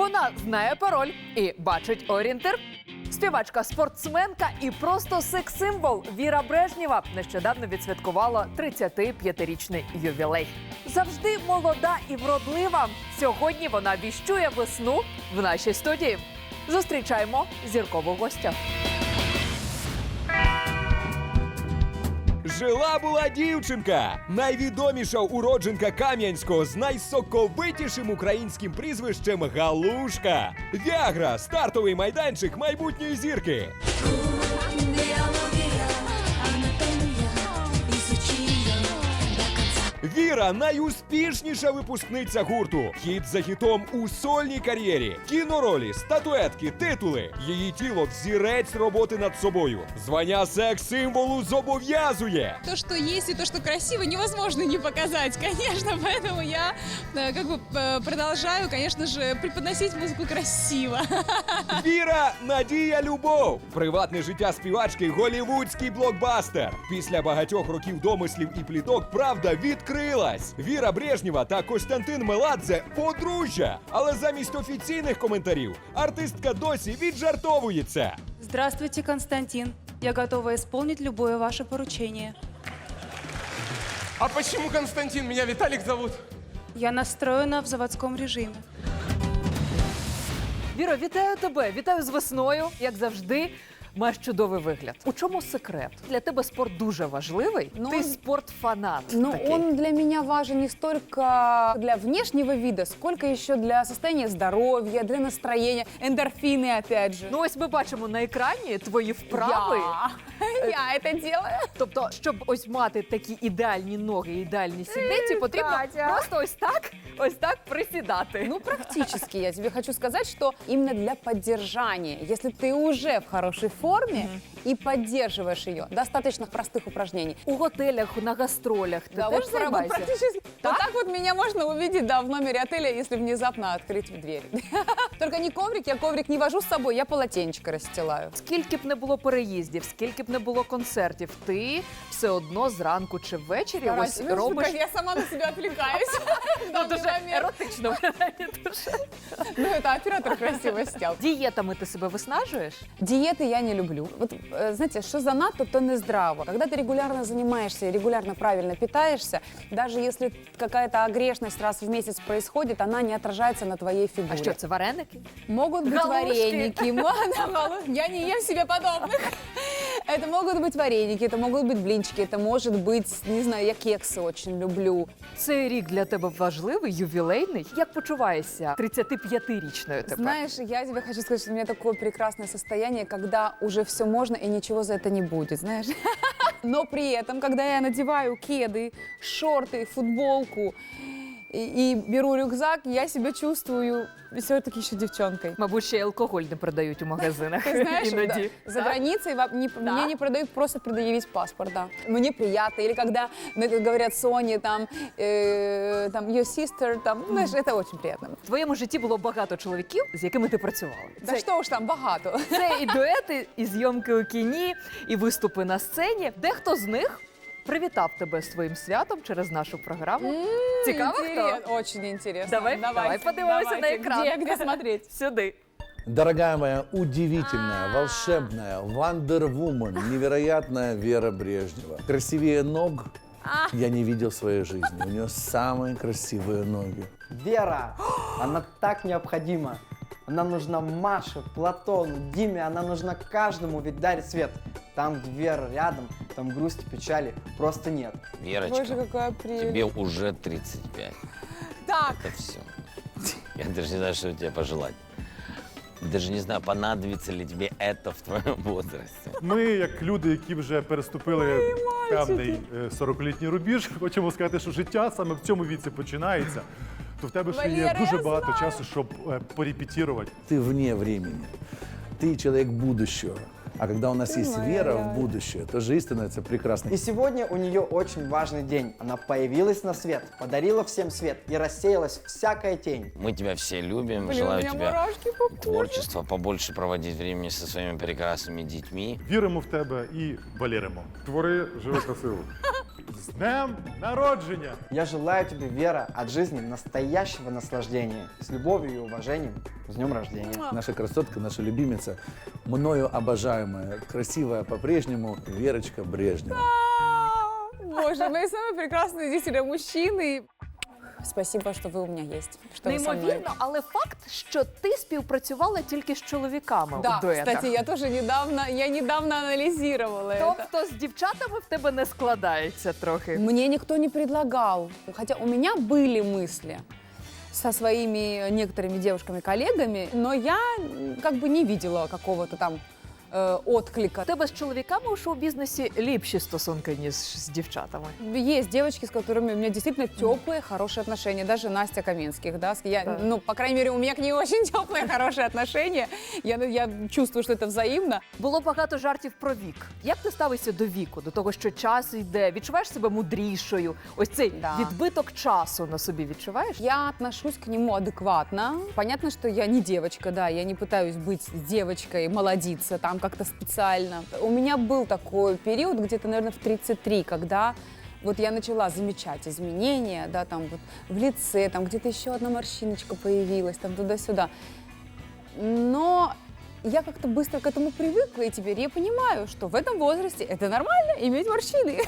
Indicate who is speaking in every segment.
Speaker 1: Вона знає пароль і бачить орієнтир. Співачка, спортсменка і просто секс-символ Віра Брежнєва нещодавно відсвяткувала 35-річний ювілей. Завжди молода і вродлива. Сьогодні вона віщує весну в нашій студії. Зустрічаємо зіркову гостя.
Speaker 2: Жила-була дівчинка! Найвідоміша уродженка Кам'янського з найсоковитішим українським прізвищем Галушка. Віагра – стартовий майданчик майбутньої зірки. Віра – найуспішніша випускниця гурту. Хіт за хітом у сольній кар'єрі. Кіноролі, статуетки, титули. Її тіло – взірець роботи над собою. Звання секс-символу зобов'язує.
Speaker 3: То, что есть и то, что красиво, невозможно не показать, конечно, поэтому я продолжаю, конечно же, преподносить музыку красиво.
Speaker 2: Віра – надія, любов. Приватне життя співачки – голівудський блокбастер. Після багатьох років домислів і пліток правда відкрилась. Віра Брежнєва та Костянтин Меладзе – подружжя. Але замість офіційних коментарів артистка досі віджартовується.
Speaker 4: Здравствуйте, Константин. Я готова исполнить любое ваше поручение.
Speaker 5: А почему Константин? Меня Виталик зовут.
Speaker 4: Я настроена в заводском режиме.
Speaker 1: Віро, вітаю тебе! Вітаю з весною, як завжди. Маєш чудовий вигляд. У чому секрет? Для тебе спорт дуже важливий. Ти спортфанат.
Speaker 6: Но
Speaker 1: такий.
Speaker 6: он для меня важен не столько для внешнего вида, сколько еще для состояния здоровья, для настроения, эндорфины, опять же.
Speaker 1: Ну ось ми бачимо на екрані твої вправи.
Speaker 6: Я это делаю.
Speaker 1: Тобто, щоб ось мати такі ідеальні ноги, ідеальні сідниці, потрібно
Speaker 6: Катя.
Speaker 1: просто ось так присідати.
Speaker 6: Ну, практически. Я тебе хочу сказать, что именно для поддержания, если ты уже в хорошей форме и поддерживаешь ее, достаточно простых упражнений.
Speaker 1: У готелях, на гастролях ти
Speaker 6: Да,
Speaker 1: теж
Speaker 6: вот
Speaker 1: займаєшся?
Speaker 6: практически. Вот так вот меня можно увидеть, да, в номере отеля, если внезапно открыть дверь. Только не коврик, я коврик не вожу с собой, я полотенечко расстилаю.
Speaker 1: Скільки б не було переїздів, скільки б не було концертів, ти все одно зранку чи ввечері ось
Speaker 6: Ну,
Speaker 1: робиш...
Speaker 6: я сама на себя отвлекаюсь.
Speaker 1: Ну, дуже еротично виглядає дуже.
Speaker 6: Ну, это оператор красиво снял.
Speaker 1: Дієтами ти себе виснажуєш?
Speaker 6: Диеты я не люблю. Вот, знаете, что занадто, то не здраво. Когда ты регулярно занимаешься и регулярно правильно питаешься, даже если какая-то огрешность раз в месяц происходит, она не отражается на твоей фигуре.
Speaker 1: А що, це вареники?
Speaker 6: Могут быть
Speaker 1: Галушки.
Speaker 6: вареники. Я не ем себе подобных. Это могут быть вареники, это могут быть блинчики, это может быть, не знаю, я кексы очень люблю.
Speaker 1: Цей рік для тебе важливий, ювілейний. Як почуваєшся 35-річною тепер?
Speaker 6: Знаешь, я тебе хочу сказать, что у меня такое прекрасное состояние, когда уже все можно и ничего за это не будет, знаешь. Но при этом, когда я надеваю кеды, шорты, футболку и беру рюкзак, я себя чувствую все-таки еще девчонкой.
Speaker 1: Мабуть, ще й алкоголь не продають у магазинах.
Speaker 6: Ты знаешь,
Speaker 1: іноді.
Speaker 6: за границей мне не продают просто предъявить паспорт, да. Мне приятно. Или когда говорят Соне, там, your sister, там, знаешь, это очень приятно.
Speaker 1: В твоєму житті було багато чоловіків, з якими ти працювала.
Speaker 6: Да что уж там, богато.
Speaker 1: Це і дуети, і зйомки у кіні, і виступи на сцені. Дехто з них привітав тебе з твоїм святом через нашу програму. Цікаво, хто?
Speaker 6: Очень интересно.
Speaker 1: Давай подивимося на екран.
Speaker 6: Где смотреть?
Speaker 1: Сюди.
Speaker 7: Дорогая моя, удивительная, волшебная, вандервумен, невероятная Вера Брежнева. Красивее ног я не видел в своей жизни. У нее самые красивые ноги.
Speaker 8: Вера, она так необходима. Она нужна Маше, Платону, Диме, она нужна каждому, ведь дарит свет. Там, где Вера рядом, там грусти, печали просто нет.
Speaker 6: Боже,
Speaker 9: Верочка,
Speaker 6: какая прелесть.
Speaker 9: тебе уже 35.
Speaker 6: Так,
Speaker 9: Это все. Я даже не знаю, что тебе пожелать. Даже не знаю, понадобится ли тебе это в твоем возрасте.
Speaker 10: Ми, як люди, які вже переступили певний 40-літній рубіж, хочемо сказати, що життя саме в цьому віці починається. То в тебе ще є
Speaker 6: Валера,
Speaker 10: дуже
Speaker 6: я
Speaker 10: багато
Speaker 6: знаю.
Speaker 10: часу, щоб порепетировать.
Speaker 7: Ты вне времени. Ты человек будущего. А когда у нас есть
Speaker 6: моя
Speaker 7: вера в
Speaker 6: реальность.
Speaker 7: будущее, то жизнь становится прекрасной.
Speaker 8: И сегодня у нее очень важный день. Она появилась на свет, подарила всем свет и рассеялась всякая тень.
Speaker 9: Мы тебя все любим,
Speaker 6: блин, у
Speaker 9: желаю
Speaker 6: меня
Speaker 9: тебе
Speaker 6: мурашки по коже.
Speaker 9: творчества, побольше проводить времени со своими прекрасными детьми.
Speaker 10: Віримо в тебе і валіримо. Твори, живи красиво. З днем народження!
Speaker 8: Я желаю тебе, Вера, от жизни настоящего наслаждения. С любовью и уважением. С днем рождения.
Speaker 7: Наша красотка, наша любимица, мною обожаемая, красивая по-прежнему Верочка Брежнева.
Speaker 6: Боже, мои самые прекрасные действительно мужчины. Спасибо, что вы у меня есть. Что вы со мной.
Speaker 1: Неймовірно, але факт, що ти співпрацювала тільки з чоловіками
Speaker 6: Да,
Speaker 1: у дуетах.
Speaker 6: кстати, я тоже недавно анализировала это.
Speaker 1: Тобто з дівчатами в тебе не складається трохи.
Speaker 6: Мне никто не предлагал. Хотя у меня были мысли со своими некоторыми девушками-коллегами, но я как бы не видела какого-то там отклика.
Speaker 1: У тебе з чоловіками у шоу-бізнесі ліпші стосунки, ніж з дівчатами.
Speaker 6: Есть девочки, с которыми у меня действительно теплые, хорошие отношения. Даже Настя Каменских, да.
Speaker 1: Да.
Speaker 6: Ну, по крайней мере, у меня к ней очень теплые, хорошие отношения. Я чувствую, что это взаимно.
Speaker 1: Було багато жартів про вік. Як ти ставишся до віку, до того, що час йде? Відчуваєш себе мудрішою? Ось цей
Speaker 6: Да.
Speaker 1: відбиток часу на собі відчуваєш?
Speaker 6: Я отношусь к нему адекватно. Понятно, что я не девочка, да, я не пытаюсь быть девочкой, молодиться там как-то специально. У меня был такой период, где-то, наверное, в 33, когда вот я начала замечать изменения, да, там вот в лице, там где-то еще одна морщиночка появилась, там туда-сюда. Но я как-то быстро к этому привыкла, и теперь я понимаю, что в этом возрасте это нормально иметь морщины.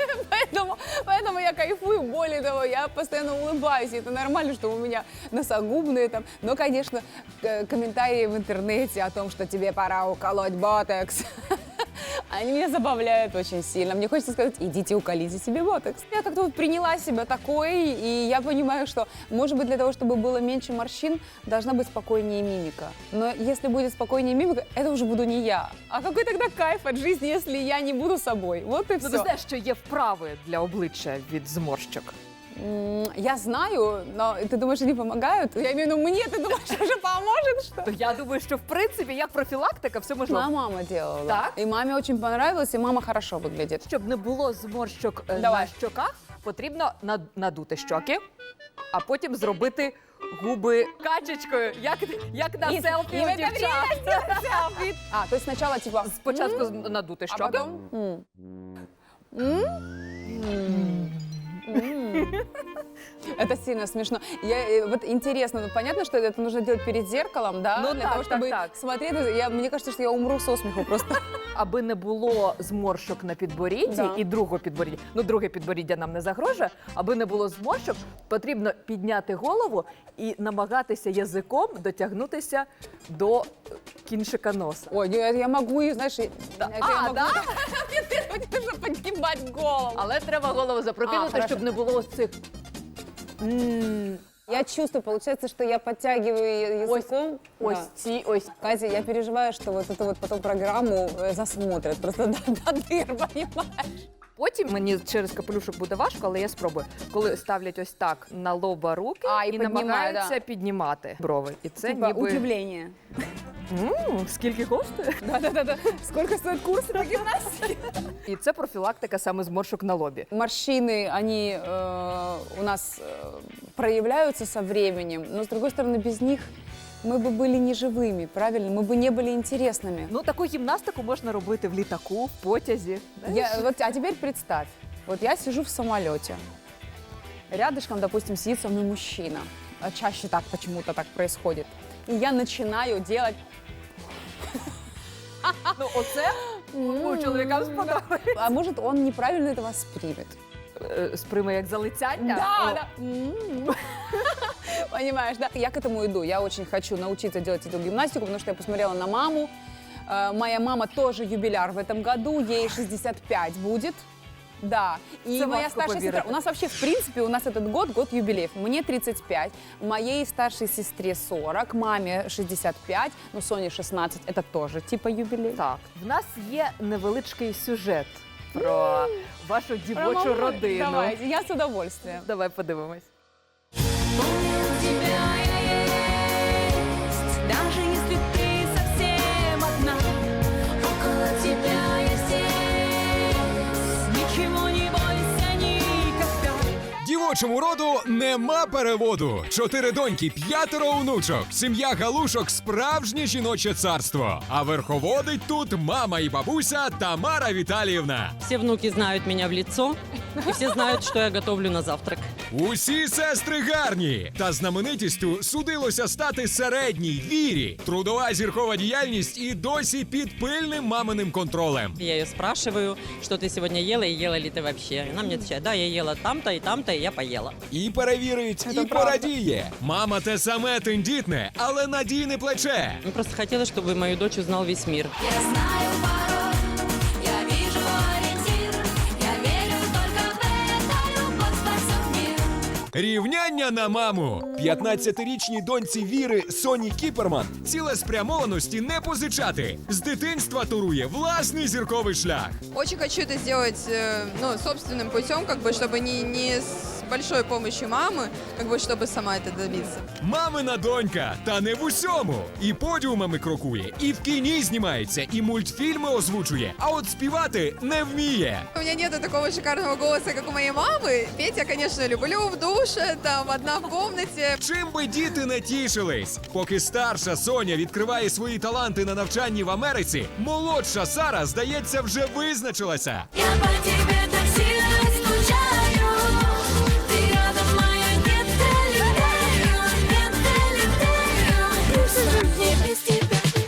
Speaker 6: Поэтому я кайфую. Более того, я постоянно улыбаюсь, и это нормально, что у меня носогубные там. Но, конечно, комментарии в интернете о том, что тебе пора уколоть ботокс, они меня забавляют очень сильно. Мне хочется сказать, идите уколите себе ботокс. Я как-то вот приняла себя такой, и я понимаю, что, может быть, для того, чтобы было меньше морщин, должна быть спокойнее мимика. Но если будет спокойнее мимика, это уже буду не я. А какой тогда кайф от жизни, если я не буду собой? Вот и
Speaker 1: Ну,
Speaker 6: все.
Speaker 1: ти знаєш, що є вправи для обличчя від зморщок.
Speaker 6: Я знаю, но ты думаешь, они помогают? Я имею в виду, мне, ты думаешь, уже поможет, что?
Speaker 1: То я думаю, що в принципі як профілактика все можливо.
Speaker 6: Моя мама делала.
Speaker 1: Так?
Speaker 6: И маме очень понравилось, и мама хорошо выглядит.
Speaker 1: Щоб не було зморщок на
Speaker 6: Давай.
Speaker 1: щоках, потрібно надути щоки, а потім зробити губи качечкою, як на
Speaker 6: І-
Speaker 1: селфі
Speaker 6: і
Speaker 1: у
Speaker 6: в це
Speaker 1: дівчат.
Speaker 6: А, то есть сначала типа...
Speaker 1: Спочатку надути
Speaker 6: А
Speaker 1: щоки.
Speaker 6: потом... Это сильно смешно. Вот интересно, ну, понятно, что это нужно делать перед зеркалом, да?
Speaker 1: Ну
Speaker 6: для
Speaker 1: так,
Speaker 6: того,
Speaker 1: так,
Speaker 6: чтобы
Speaker 1: так.
Speaker 6: смотреть. Мне кажется, что я умру со смеху просто.
Speaker 1: Аби не було зморщок на підборідді
Speaker 6: Да.
Speaker 1: і другого підборіддя. Ну, друге підборіддя нам не загрожує. Аби не було зморщок, потрібно підняти голову і намагатися язиком дотягнутися до кінчика носа.
Speaker 6: Ой, я могу, и, знаешь, это я
Speaker 1: А,
Speaker 6: могу...
Speaker 1: да?
Speaker 6: Мне нужно подгибать голову.
Speaker 1: Але треба голову запрокинути,
Speaker 6: хорошо.
Speaker 1: щоб не було ось цих.
Speaker 6: Я чувствую, получается, что я подтягиваю языком.
Speaker 1: Ось
Speaker 6: Да.
Speaker 1: ці, ось.
Speaker 6: Катя, я переживаю, что вот эту вот потом программу засмотрят просто до дыр, понимаешь?
Speaker 1: Потім мені через капелюшок буде важко, але я спробую. Коли ставлять ось так на лоба руки
Speaker 6: А, і
Speaker 1: і
Speaker 6: піднімає,
Speaker 1: намагаються
Speaker 6: да.
Speaker 1: піднімати брови. І це
Speaker 6: Типа
Speaker 1: ніби...
Speaker 6: удивление.
Speaker 1: Скільки коштує?
Speaker 6: Да-да-да. Сколько стоят курсы по гимнастике?
Speaker 1: І це профілактика саме зморшок на лобі.
Speaker 6: Морщины, они у нас проявляются со временем, но, с другой стороны, без них мы бы были неживыми, правильно? Мы бы не были интересными.
Speaker 1: Ну, таку гімнастику можна робити в літаку, в потязі.
Speaker 6: А теперь представь, вот я сижу в самолете, рядышком, допустим, сидит со мной мужчина. А чаще так почему-то так происходит. И я начинаю делать...
Speaker 1: Ну, оце чоловікам сподобається.
Speaker 6: А может, он неправильно это воспримет.
Speaker 1: Сприйме як залицяння.
Speaker 6: Да. Понимаешь, да? Я к этому иду. Я очень хочу научиться делать эту гимнастику, потому что я посмотрела на маму. Моя мама тоже юбиляр в этом году, ей 65 будет. Да, и
Speaker 1: Это
Speaker 6: моя
Speaker 1: важко
Speaker 6: старшая сестра,
Speaker 1: поверить.
Speaker 6: у нас вообще, в принципе, у нас этот год юбилеев. Мне 35, моей старшей сестре 40, маме 65, ну, Соне 16, это тоже типа юбилей.
Speaker 1: Так, в нас є невеличкий сюжет про вашу дівочу родину.
Speaker 6: Давайте, я с удовольствием.
Speaker 1: Давай подивимось.
Speaker 11: Даже если ты совсем одна, около тебя я здесь. Ничего не бойся никогда.
Speaker 2: жіночому роду нема переводу. 4 доньки, 5 онучок. Сім'я Галушок – справжнє жіноче царство. А верховодить тут мама і бабуся Тамара Віталіївна.
Speaker 12: Все внуки знают меня в лицо, и все знают, что я готовлю на завтрак.
Speaker 2: Усі сестри гарні. Та знаменитістю судилося стати середній Вірі. Трудова зіркова діяльність і досі під пильним маминим контролем.
Speaker 12: Я ее спрашиваю, что ты сегодня ела и ела ли ты вообще. Она мне отвечает, да, я ела там-то и там-то, и я поела.
Speaker 2: І перевірить, і порадіє. Мама те саме тендітне, але надійне плече.
Speaker 12: Я просто хотела, чтобы мою дочь узнал весь мир.
Speaker 11: Я знаю пароль, я вижу ориентир, я верю только в это, любовь спасет мир.
Speaker 2: Рівняння на маму. 15-річній доньці Віри Соні Кіперман цілеспрямованості не позичати. З дитинства турує власний зірковий шлях.
Speaker 3: Очень хочу это сделать, собственным путем, чтобы не с большой помощью мамы, чтобы сама это добиться.
Speaker 2: Мамина донька, та не в усьому. І подіумами крокує, і в кіні знімається, і мультфільми озвучує, а от співати не вміє.
Speaker 3: У меня нет такого шикарного голоса, как у моей мамы. Петь я, конечно, люблю в душе, там, одна в комнате.
Speaker 2: Чим би діти не тішились? Поки старша Соня відкриває свої таланти на навчанні в Америці, молодша Сара, здається, вже визначилася.
Speaker 11: Я по тебе так сильно скучаю, ты рядом, моя, не долетаю, просто не без тебя.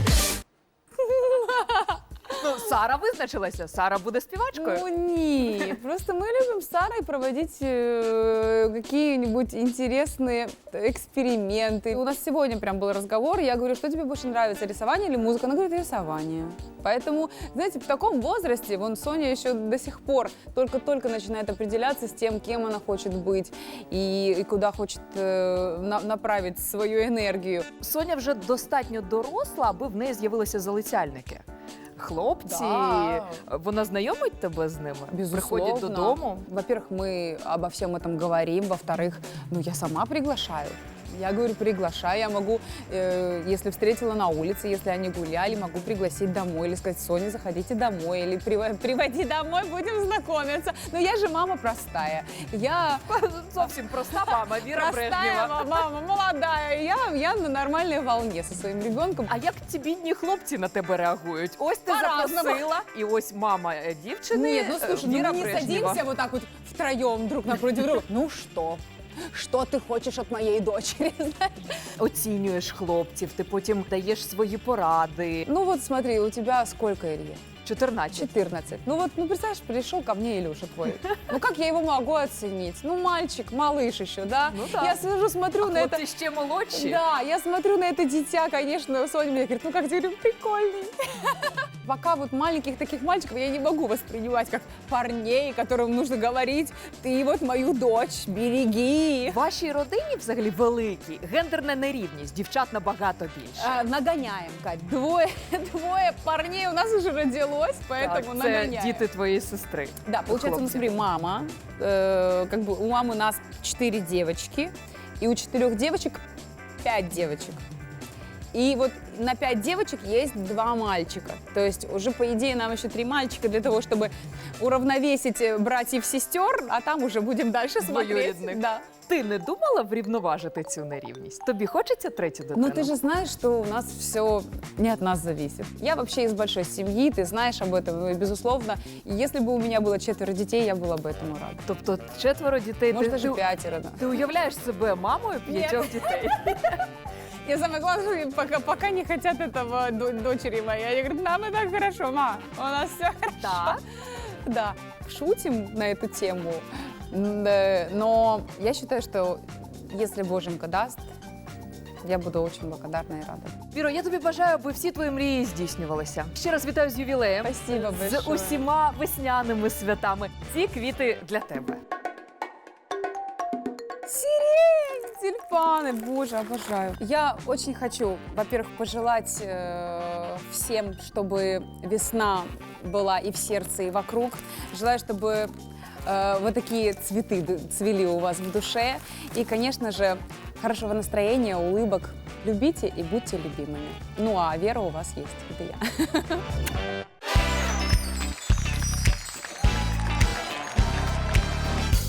Speaker 1: Ну, Сара визначилася. Сара буде співачкою.
Speaker 6: Ну не, просто мы любим с Сарой проводить какие-нибудь интересные эксперименты. У нас сегодня прям был разговор, я говорю, что тебе больше нравится, рисование или музыка? Она говорит, рисование. Поэтому, знаете, в таком возрасте, вон Соня еще до сих пор только-только начинает определяться с тем, кем она хочет быть и куда хочет направить свою энергию.
Speaker 1: Соня вже достатньо доросла, аби в неї з'явилися залицяльники. Хлопці,
Speaker 6: Да.
Speaker 1: вона знайомить тебе з ними?
Speaker 6: Безусловно.
Speaker 1: Приходять додому?
Speaker 6: Во-первых, мы обо всем этом говорим. Во-вторых, я сама приглашаю. Я говорю, приглашаю. Я могу, если встретила на улице, если они гуляли, могу пригласить домой или сказать, Соня, заходите домой, или приводи домой, будем знакомиться. Но я же мама простая. Я
Speaker 1: Зовсім проста мама, Віра Брежнєва.
Speaker 6: простая мама, молодая. Я на нормальной волне со своим ребенком.
Speaker 1: А як ці бідні хлопці на тебе реагують? Ось ти
Speaker 6: По-разному.
Speaker 1: запросила, і ось мама дівчини,
Speaker 6: Нет, ну слушай,
Speaker 1: Віра
Speaker 6: мы не
Speaker 1: Брежнєва.
Speaker 6: садимся вот так вот втроем друг напротив друга. Ну что? Что ты хочешь от моей дочери?
Speaker 1: Оцінюєш хлопців, ти потім даєш свої поради.
Speaker 6: Ну вот смотри, у тебя сколько, Илья?
Speaker 1: 14.
Speaker 6: 14. Представляешь, пришел ко мне Илюша твой. Ну как я его могу оценить? Ну мальчик, малыш еще, да?
Speaker 1: Ну да.
Speaker 6: Я сижу, смотрю на это.
Speaker 1: Хлопці ще молодші.
Speaker 6: Да, я смотрю на это дитя, конечно, Соня мне говорит, ну как тебе, прикольный. Пока вот маленьких таких мальчиков я не могу воспринимать как парней, которым нужно говорить, ты вот мою дочь, береги.
Speaker 1: В вашій родині взагалі великій гендерна нерівність, дівчат набагато більше.
Speaker 6: Нагоняем, Кать. Двое парней у нас уже родилось, поэтому
Speaker 1: Так, це
Speaker 6: нагоняем.
Speaker 1: діти твоєї сестри.
Speaker 6: Да, получается, ну
Speaker 1: хлопців.
Speaker 6: смотри, мама, у мамы у нас 4 девочки, и у 4 девочек 5 девочек. И вот на 5 девочек есть 2 мальчика. То есть уже, по идее, нам еще 3 мальчика для того, чтобы уравновесить братьев-сестер, а там уже будем дальше смотреть.
Speaker 1: Двоюрідних.
Speaker 6: Да.
Speaker 1: Ти не думала врівноважити цю нерівність? Тобі хочеться третю дитину?
Speaker 6: Ну, ты же знаешь, что у нас все не от нас зависит. Я вообще из большой семьи, ты знаешь об этом, и, безусловно. И если бы у меня было 4 детей, я была бы этому рада.
Speaker 1: Тобто 4 дітей.
Speaker 6: Может, даже
Speaker 1: ти,
Speaker 6: 5, да.
Speaker 1: ти уявляєш себе мамою 5 дітей?
Speaker 6: Я самое главное, пока не хотят этого дочери моей. Я говорю, нам и так хорошо, ма, у нас все хорошо.
Speaker 1: Да?
Speaker 6: Да, шутим на эту тему, но я считаю, что если Боженька даст, я буду очень благодарна и рада.
Speaker 1: Віро, я тобі бажаю, аби всі твої мрії здійснювалися. Ще раз вітаю з ювілеєм.
Speaker 6: Спасибо
Speaker 1: З
Speaker 6: большое.
Speaker 1: усіма весняними святами. Ці квіти для тебе.
Speaker 6: Сирень, тюльпаны, боже, обожаю. Я очень хочу, во-первых, пожелать всем, чтобы весна была и в сердце, и вокруг. Желаю, чтобы вот такие цветы цвели у вас в душе. И, конечно же, хорошего настроения, улыбок. Любите и будьте любимыми. Ну а вера у вас есть, это я.